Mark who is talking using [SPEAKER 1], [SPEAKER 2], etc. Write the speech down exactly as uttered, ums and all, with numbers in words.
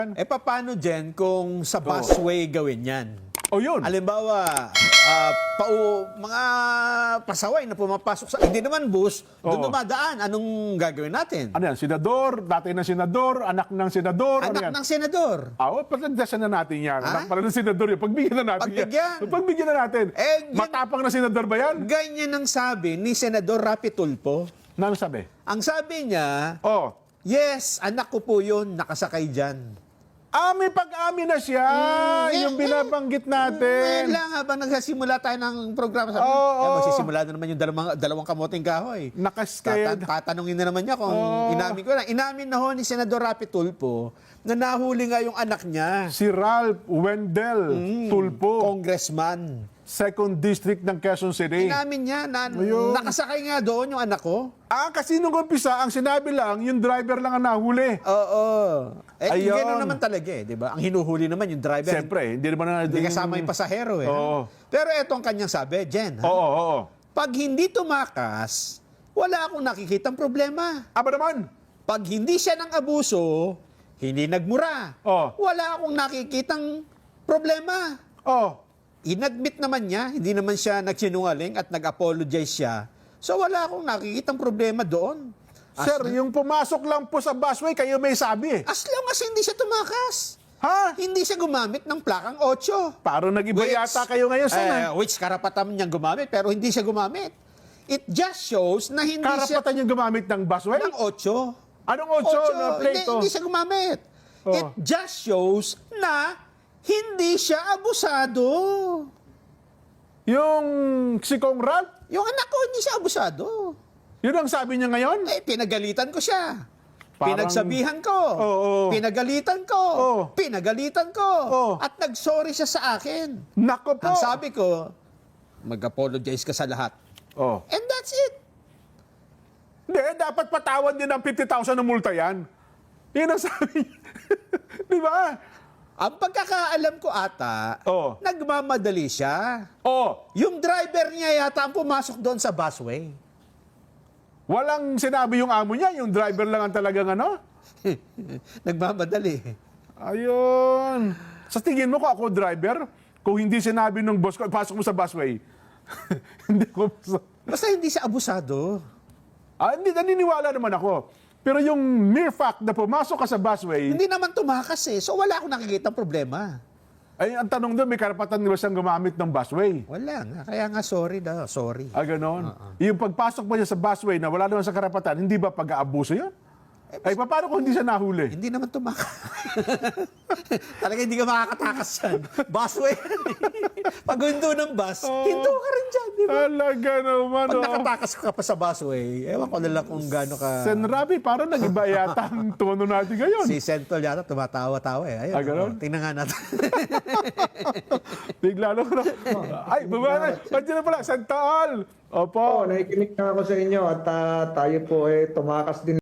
[SPEAKER 1] Eh, paano, Jen, kung sa busway gawin yan?
[SPEAKER 2] O yun.
[SPEAKER 1] Halimbawa, ah, pau, mga pasaway na pumapasok sa... Hindi naman bus, doon
[SPEAKER 2] Oo.
[SPEAKER 1] dumadaan. Anong gagawin natin?
[SPEAKER 2] Ano yan? Senador, dati ng senador, anak ng senador. ano
[SPEAKER 1] Anak
[SPEAKER 2] yan?
[SPEAKER 1] ng senador.
[SPEAKER 2] Ah, oh, pagdasyan na natin yan.
[SPEAKER 1] Ha?
[SPEAKER 2] Anak pala ng senador yan. Pagbigyan na natin
[SPEAKER 1] Pagbigyan.
[SPEAKER 2] yan. Pagbigyan na natin.
[SPEAKER 1] Eh, yan-
[SPEAKER 2] Matapang na senador ba yan?
[SPEAKER 1] Ganyan ang sabi ni Senador Rapi Tulfo.
[SPEAKER 2] Ano sabi?
[SPEAKER 1] Ang sabi niya,
[SPEAKER 2] Oh.
[SPEAKER 1] yes, anak ko po yun, nakasakay dyan.
[SPEAKER 2] Ah, may pag-amin na siya.
[SPEAKER 1] Mm,
[SPEAKER 2] yung
[SPEAKER 1] eh,
[SPEAKER 2] binabanggit
[SPEAKER 1] Ngayon
[SPEAKER 2] natin.
[SPEAKER 1] lang, habang nagsasimula tayo ng programa, sabi,
[SPEAKER 2] Oo,
[SPEAKER 1] eh,
[SPEAKER 2] oo.
[SPEAKER 1] magsisimula na naman yung dalawang, dalawang kamoting kahoy.
[SPEAKER 2] Nakaskaya.
[SPEAKER 1] Tatan- tatanungin na naman niya kung
[SPEAKER 2] Oo.
[SPEAKER 1] inamin ko na. Inamin na ho ni Senador Rapi Tulfo na nahuli nga yung anak niya,
[SPEAKER 2] Si Ralph Wendell
[SPEAKER 1] Mm.
[SPEAKER 2] Tulfo,
[SPEAKER 1] congressman.
[SPEAKER 2] second District ng Quezon City.
[SPEAKER 1] Inamin niya na
[SPEAKER 2] Ayun.
[SPEAKER 1] nakasakay nga doon yung anak ko.
[SPEAKER 2] Ah, kasi nung umpisa, ang sinabi lang, yung driver lang ang nahuli.
[SPEAKER 1] Oo. Eh,
[SPEAKER 2] Ayun.
[SPEAKER 1] gano'n naman talaga eh, di ba? Ang hinuhuli naman yung driver.
[SPEAKER 2] Siyempre, hindi naman na...
[SPEAKER 1] Hindi kasama yung pasahero eh.
[SPEAKER 2] Oo.
[SPEAKER 1] Pero eto ang kanyang sabi, Jen. Ha?
[SPEAKER 2] Oo, oo, oo.
[SPEAKER 1] Pag hindi tumakas, wala akong nakikitang problema.
[SPEAKER 2] Aba naman.
[SPEAKER 1] Pag hindi siya ng abuso, hindi nagmura.
[SPEAKER 2] Oh.
[SPEAKER 1] Wala akong nakikitang problema.
[SPEAKER 2] Oh.
[SPEAKER 1] Inadmit naman niya, hindi naman siya nagsinungaling at nag-apologize siya. So wala akong nakikitang problema doon. As,
[SPEAKER 2] Sir, yung pumasok lang po sa busway, kayo may sabi eh.
[SPEAKER 1] as long as hindi siya tumakas.
[SPEAKER 2] Ha?
[SPEAKER 1] Hindi siya gumamit ng plakang otso.
[SPEAKER 2] Parang nag-iba
[SPEAKER 1] Which,
[SPEAKER 2] yata kayo ngayon, sir.
[SPEAKER 1] eh, which karapatan niyang gumamit, pero hindi siya gumamit. It just shows na hindi siya
[SPEAKER 2] Karapatan yung gumamit ng busway?
[SPEAKER 1] ng otso.
[SPEAKER 2] Anong otso na
[SPEAKER 1] Hindi,
[SPEAKER 2] plate?
[SPEAKER 1] hindi siya gumamit.
[SPEAKER 2] Oh.
[SPEAKER 1] It just shows na hindi siya abusado.
[SPEAKER 2] Yung si Kong Ralph,
[SPEAKER 1] Yung anak ko, hindi siya abusado.
[SPEAKER 2] yun ang sabi niya ngayon?
[SPEAKER 1] Eh, pinagalitan ko siya.
[SPEAKER 2] Parang-
[SPEAKER 1] Pinagsabihan ko.
[SPEAKER 2] Oo.
[SPEAKER 1] Pinagalitan ko.
[SPEAKER 2] Oo.
[SPEAKER 1] Pinagalitan ko.
[SPEAKER 2] Oo.
[SPEAKER 1] At nag-sorry siya sa akin.
[SPEAKER 2] Nako po.
[SPEAKER 1] Ang sabi ko, mag-apologize ka sa lahat.
[SPEAKER 2] Oh.
[SPEAKER 1] And that's it.
[SPEAKER 2] Hindi, dapat patawan din ng fifty thousand na multa yan. Yun ang sabi niya. Di ba?
[SPEAKER 1] Ang pagkakaalam ko ata,
[SPEAKER 2] Oo.
[SPEAKER 1] nagmamadali siya.
[SPEAKER 2] Oh,
[SPEAKER 1] Yung driver niya yata ang pumasok doon sa busway.
[SPEAKER 2] walang sinabi yung amo niya, yung driver lang ang talagang ano.
[SPEAKER 1] Nagmamadali.
[SPEAKER 2] Ayun. Sa tingin mo ko ako driver, kung hindi sinabi ng boss ko, pasok mo sa busway. hindi ko...
[SPEAKER 1] Basta hindi siya abusado.
[SPEAKER 2] Ah, hindi, naniniwala naman ako. Pero yung mere fact na pumasok ka sa busway,
[SPEAKER 1] Hindi naman tumakas eh. So wala akong nakikita problema.
[SPEAKER 2] ay ang tanong doon, may karapatan nila siyang gumamit ng busway.
[SPEAKER 1] Wala nga. Kaya nga sorry daw. Sorry.
[SPEAKER 2] Ah, ganon. Yung pagpasok mo niya sa busway na wala naman sa karapatan, hindi ba pag-aabuso yun? Ay, paano kung hindi siya nahuli?
[SPEAKER 1] Hindi naman tumakas. Talaga hindi ka makakatakas dyan. Busway. Pag hundo ng bus, hinto ka rin dyan. Di ba?
[SPEAKER 2] Talaga naman,
[SPEAKER 1] Pag
[SPEAKER 2] oh.
[SPEAKER 1] nakatakas ka pa sa busway, ewan ko na lang kung gaano ka...
[SPEAKER 2] Sen Rabi, parang nag-iba yata ang tono natin ngayon.
[SPEAKER 1] Si Sentol yata tumatawa-tawa eh. Ayun,
[SPEAKER 2] Ah, ganon?
[SPEAKER 1] oh, tingnan nga natin.
[SPEAKER 2] Bigla lang na. Ay, baba na. Nandiyan na pala, Sentol. Opo.
[SPEAKER 3] Oo, nakikinig na ako sa inyo at ah, tayo po eh tumakas din